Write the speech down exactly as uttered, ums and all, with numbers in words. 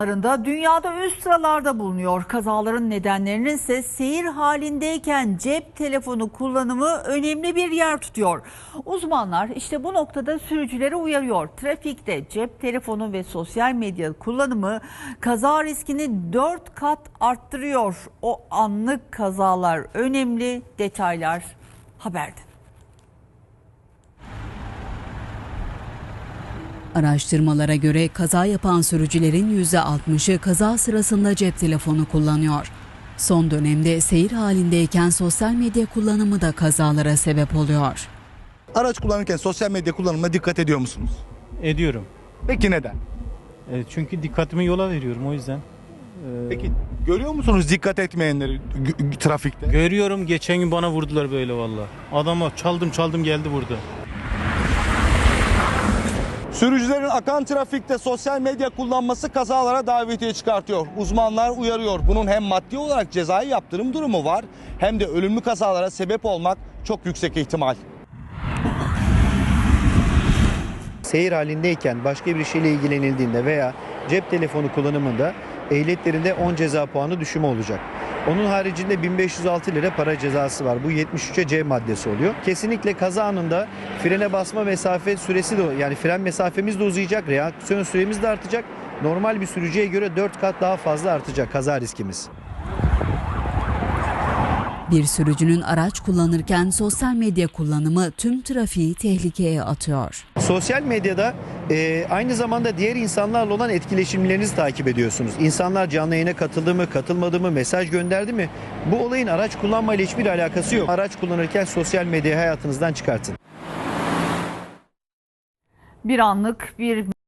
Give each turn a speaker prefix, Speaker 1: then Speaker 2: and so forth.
Speaker 1: Dünyada üst sıralarda bulunuyor. Kazaların nedenlerinin ise seyir halindeyken cep telefonu kullanımı önemli bir yer tutuyor. Uzmanlar işte bu noktada sürücüleri uyarıyor. Trafikte cep telefonu ve sosyal medya kullanımı kaza riskini dört kat arttırıyor. O anlık kazalar önemli. Detaylar haberde.
Speaker 2: Araştırmalara göre kaza yapan sürücülerin yüzde altmışı kaza sırasında cep telefonu kullanıyor. Son dönemde seyir halindeyken sosyal medya kullanımı da kazalara sebep oluyor.
Speaker 3: Araç kullanırken sosyal medya kullanımına dikkat ediyor musunuz?
Speaker 4: Ediyorum.
Speaker 3: Peki neden?
Speaker 4: E, çünkü dikkatimi yola veriyorum o yüzden. E,
Speaker 3: Peki görüyor musunuz dikkat etmeyenleri g- trafikte?
Speaker 4: Görüyorum, geçen gün bana vurdular böyle valla. Adama çaldım çaldım geldi vurdu.
Speaker 3: Sürücülerin akan trafikte sosyal medya kullanması kazalara davetiye çıkartıyor. Uzmanlar uyarıyor. Bunun hem maddi olarak cezai yaptırım durumu var hem de ölümlü kazalara sebep olmak çok yüksek ihtimal.
Speaker 5: Seyir halindeyken başka bir şeyle ilgilenildiğinde veya cep telefonu kullanımında ehliyetlerinde on ceza puanı düşümü olacak. Onun haricinde bin beş yüz altı lira para cezası var. Bu yetmiş üçe C maddesi oluyor. Kesinlikle kaza anında frene basma mesafe süresi de, yani fren mesafemiz de uzayacak, reaksiyon süremiz de artacak. Normal bir sürücüye göre dört kat daha fazla artacak kaza riskimiz.
Speaker 2: Bir sürücünün araç kullanırken sosyal medya kullanımı tüm trafiği tehlikeye atıyor.
Speaker 5: Sosyal medyada e, aynı zamanda diğer insanlarla olan etkileşimlerinizi takip ediyorsunuz. İnsanlar canlı yayına katıldı mı, katılmadı mı, mesaj gönderdi mi? Bu olayın araç kullanmayla hiçbir alakası yok. Araç kullanırken sosyal medyayı hayatınızdan çıkartın.
Speaker 1: Bir anlık bir